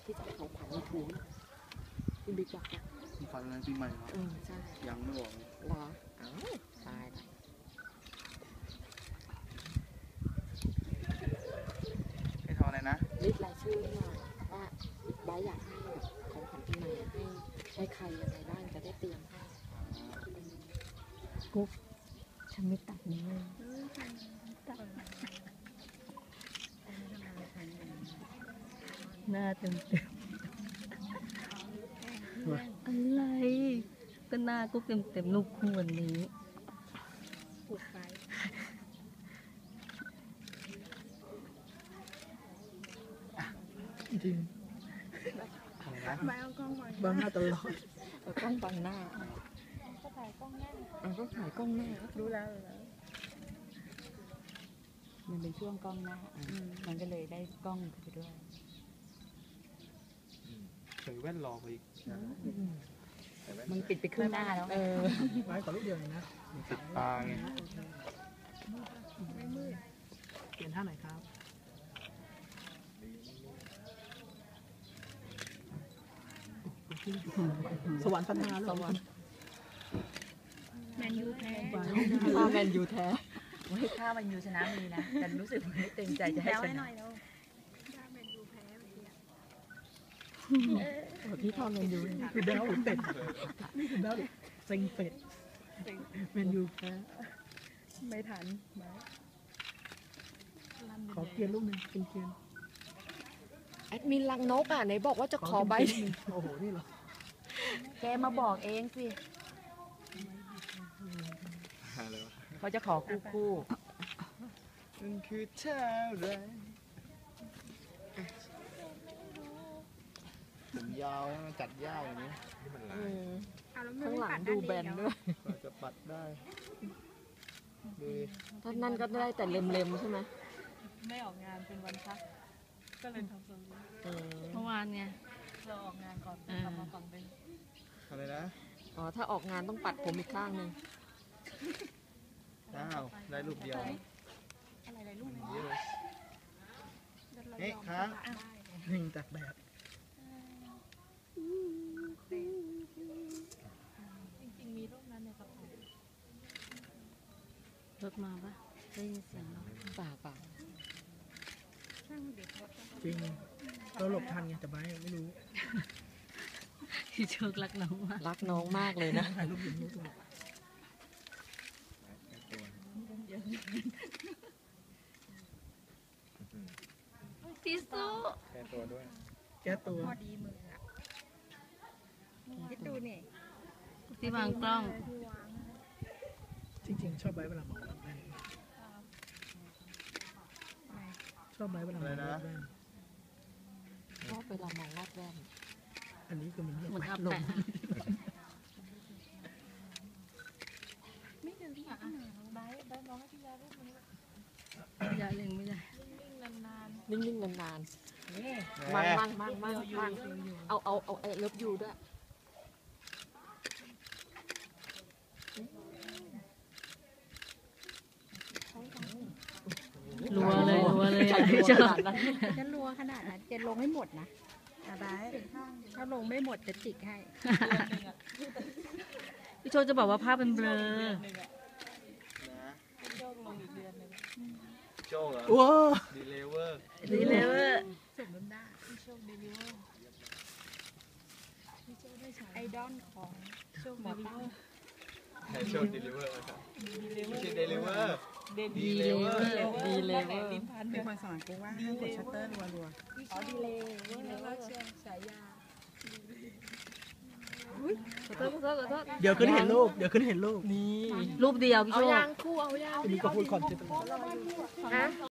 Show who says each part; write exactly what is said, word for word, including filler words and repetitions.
Speaker 1: ที่จะของขวัญในถุงพี่บิ๊กบอกนะ
Speaker 2: ของขวัญอะไรปีใหม่เหรอ
Speaker 1: อืมใช่
Speaker 2: ยังไม่บอกเลย
Speaker 1: เหรออ้าวตายละ
Speaker 2: ให้ทำอะไรนะ
Speaker 1: ลิสต์รายชื่อมาว่าบ้าอยากให้แบบของขวัญปีใหม่ให้ให้ใครยังไงบ้างจะได้เตรียมให้กุ๊กฉันไม่ตัดนี้เลยหน้าเต็มเต็มอะไรก็หน้ากุ๊กเต็มเต็มลูกคู่วันนี้ปวดไฟ
Speaker 2: จริงอะไรนะ
Speaker 3: ไม่เอากล้องบัง
Speaker 2: บังหน้าตลอด
Speaker 1: เอากล้องบังหน้า
Speaker 3: ก็ถ่ายกล้องหน้า
Speaker 1: เอาก็ถ่ายกล้องหน้า
Speaker 3: รู้แล้วรู้แล้ว
Speaker 1: มันเป็นช่วงกล้องหน้ามันก็เลยได้กล้องไปด้วย
Speaker 2: ใส่แว่นรอไปอีก
Speaker 1: มันปิดไปครึ่งหน้าแล้วเออ
Speaker 2: ไว้ขอลูกเดียวนะติดตาไง
Speaker 3: ไม่มืด
Speaker 2: เปลี่ยนท่าไหนครับสวรรค์พันนาสวรรค์
Speaker 3: แมนยูแท้
Speaker 1: ข้าแมนยูแท้ไม่ข้าแมนยูชนะมีนะแต่รู้สึกไม่เต็มใจจะให้ชนะ
Speaker 3: แมนยูแพ้
Speaker 1: พี่ทอมแมนยู
Speaker 2: คือดาวหรือเป็ดนี่คือดาวเซ็งเป็ดแมนยูแพ้
Speaker 3: ไม่ทัน
Speaker 2: ขอเกียร์ลูกหนึ่งเป็นเกียร์
Speaker 1: แอดมินลังนกอ่ะไหนบอกว่าจะขอใบ
Speaker 2: โอ้โหนี่เหรอ
Speaker 1: แกมาบอกเองสิเขาจะขอคู่คู่
Speaker 2: มันคือเท่าไรผมยาวจัดยาวอย่างนี้
Speaker 1: ข้างหลังดูแบนด้วย
Speaker 2: จะปัดได้
Speaker 1: ท่านนั่นก็ได้แต่เล็มๆใช่ไหม
Speaker 3: ไม่ออกงานเป็นวันพักก็เลยทำทรงนี้
Speaker 1: เมื่อวานไง
Speaker 3: เราออกงานก่อนทำมาก่อนเป็น
Speaker 2: อะไรนะ
Speaker 1: อ๋อถ้าออกงานต้องปัดผมอีกข้างหนึ่ง
Speaker 2: อ้าวได้รูปเดียว
Speaker 3: อะไรได้รูป
Speaker 2: เยอะเฮ้ยครับหนึ่งจากแบบ
Speaker 3: จริงๆมีรูปนั้นในกระเป๋
Speaker 1: ารถมาปะได้ยินเสียงเปล่าเปล่า
Speaker 2: จริงเราหลบทันไงแต่ไม่ไม่รู้
Speaker 1: พี่โชครักน้องมากรักน้องมากเลยนะ
Speaker 2: ถ่ายรูปอย่างนี้ตัว
Speaker 1: พี่สู้
Speaker 2: แก้ตัวด้วยแก้ตัว
Speaker 3: พอดีมืออ่ะคิดดูนี่
Speaker 1: ที่วางกล้อง
Speaker 2: จริงๆชอบไว้เวลามองแว่นชอบไว้เวลามองแว่น
Speaker 1: ชอบเวลามองรอบแว่น
Speaker 2: อันนี้คือมัน
Speaker 1: เหมือนอับลง
Speaker 3: ไม่เดินที่อ่ะใบใบมองให้พี่ยารูปมัน
Speaker 1: อย่าเล็งไม่ได้
Speaker 3: นิ่งๆนาน
Speaker 1: ๆนิ่งๆนานๆมั่งมั่งมั่งมั่งมั่งเอาเอาเอาเลิฟยูด้วยรัวเลยรัวเลยพี่โชค
Speaker 3: จะรัวขนาดนั้นจะลงให้หมดนะอะไรถ้าลงไม่หมดจะจิกให้
Speaker 1: พี่โชคจะบอกว่าภาพเป็นเบลอ
Speaker 2: โจ้เหรอว้าดีเลเวอร์
Speaker 1: ดีเลเวอร์
Speaker 3: สมน้ำหน้าพี่โชคดีเลเวอร์พี่โชคได้ใช้ไอดอลของโชคดีเลเวอร์
Speaker 2: โชคดีเลเวอร์ครับไม่ใช่เดลิเวอร์
Speaker 1: ดีเลเวอร์ดีเลเวอร์
Speaker 3: เป็นคนสอนกูว่าห้ามกดชัตเตอร์รัวๆอ๋อดีเลดีเลเวอร์ฉายา
Speaker 1: ขอโทษขอโทษขอโทษ
Speaker 2: เดี๋ยวขึ้นเห็นรูปเดี๋ยวขึ้นเห็นรูป
Speaker 1: นี่รูปเดียวพี่โชค
Speaker 3: เอายางคู่เอายาง
Speaker 2: นี่ก็พูดคอนเทนต์